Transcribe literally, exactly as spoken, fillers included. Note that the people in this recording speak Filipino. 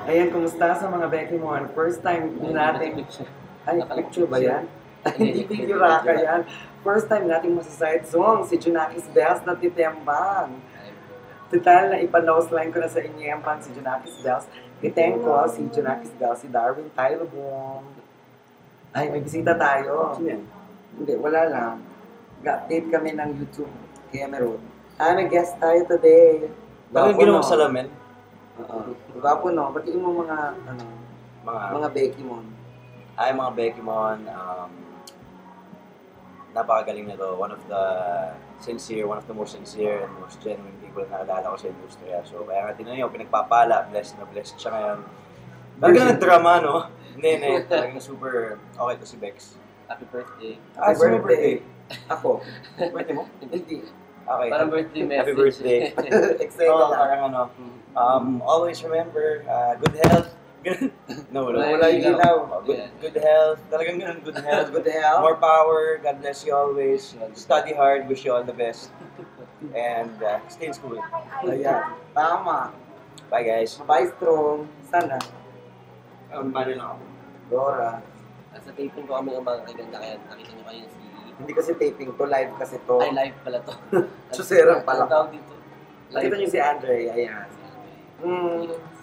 Ayan, kumusta sa mga Becky mo? First time natin... Ay, picture ba yan? Hindi picture ka yan. First time nating masaside song, si Junakis Bells na titembang. Total na ipa-nose line ko na sa inyo yung si Junakis Bells. Kiteng ko si Junakis Bells, si Darwin Tylobong. Ay, may bisita tayo. Hindi, wala lang. Ga-update kami ng YouTube. Kaya meron. Ah, may guest tayo today. Bakit yung ginawa sa salamin? Oo. Gwapo no? Batiin mo mga, ano, Mga, mga Becky mo. ay, mga Becky Mon, um, napakagaling na to. One of the sincere, one of the most sincere and most genuine people na nakilala ko sa industriya. So, kaya nga tinan nyo, pinagpapala, blessed na blessed siya ngayon. Talagang nag-drama, no? Hindi, hindi. Talagang super okay to si Bex. Happy birthday. Happy sino birthday. Ako. Birthday mo? Hindi. Okay. Parang birthday message. Happy birthday. Excited Oo, lang. parang ano, um, always remember, uh, good health. no, wala. Wala yung ilaw. Oh, good, good health. Talagang ganun, good health. Good health. More power. God bless you always. Study hard. Wish you all the best. And uh, stay in school. Ayan. Tama. Bye, guys. Bye, strong. Sana. Um, bali lang ako. Dora. Sa taping ko kami ng mga kaganda kaya nakita nyo kayo si... Hindi kasi taping to, live kasi to. Ay, live pala to. Suserang pala. Ang tawag dito. Nakita niyo si Andre. Ayan. Si Andre. Hmm.